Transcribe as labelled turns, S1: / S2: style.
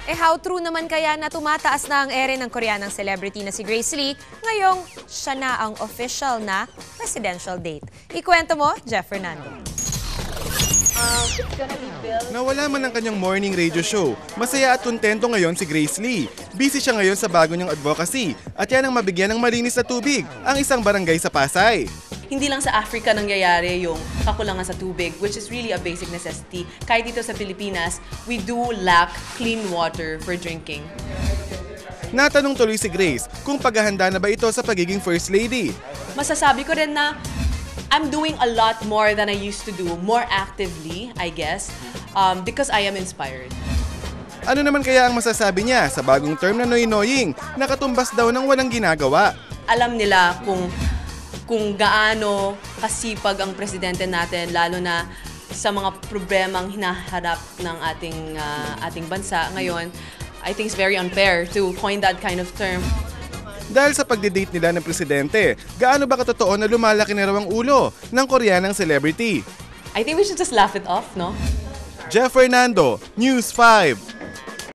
S1: How true naman kaya na tumataas na ang ere ng Koreanang celebrity na si Grace Lee, ngayong siya na ang official na presidential date? Ikwento mo, Jeff Fernando.
S2: Nawala man ang kanyang morning radio show, masaya at kontento ngayon si Grace Lee. Busy siya ngayon sa bago niyang advocacy at yan ang mabigyan ng malinis na tubig, ang isang barangay sa Pasay.
S3: Hindi lang sa Africa nangyayari yung kakulangan sa tubig, which is really a basic necessity. Kahit dito sa Pilipinas, we do lack clean water for drinking.
S2: Natanong tuloy si Grace kung paghahanda na ba ito sa pagiging First Lady.
S3: Masasabi ko rin na I'm doing a lot more than I used to do, more actively, I guess, because I am inspired.
S2: Ano naman kaya ang masasabi niya sa bagong term na noy-noying, nakatumbas daw ng walang ginagawa?
S3: Alam nila kung gaano kasipag ang presidente natin, lalo na sa mga problemang hinaharap ng ating bansa ngayon. I think it's very unfair to coin that kind of term.
S2: Dahil sa pagdidate nila ng presidente, gaano ba katotoo na lumalaki na raw ang ulo ng Koreanang celebrity?
S3: I think we should just laugh it off, no?
S2: Jeff Fernando, News 5.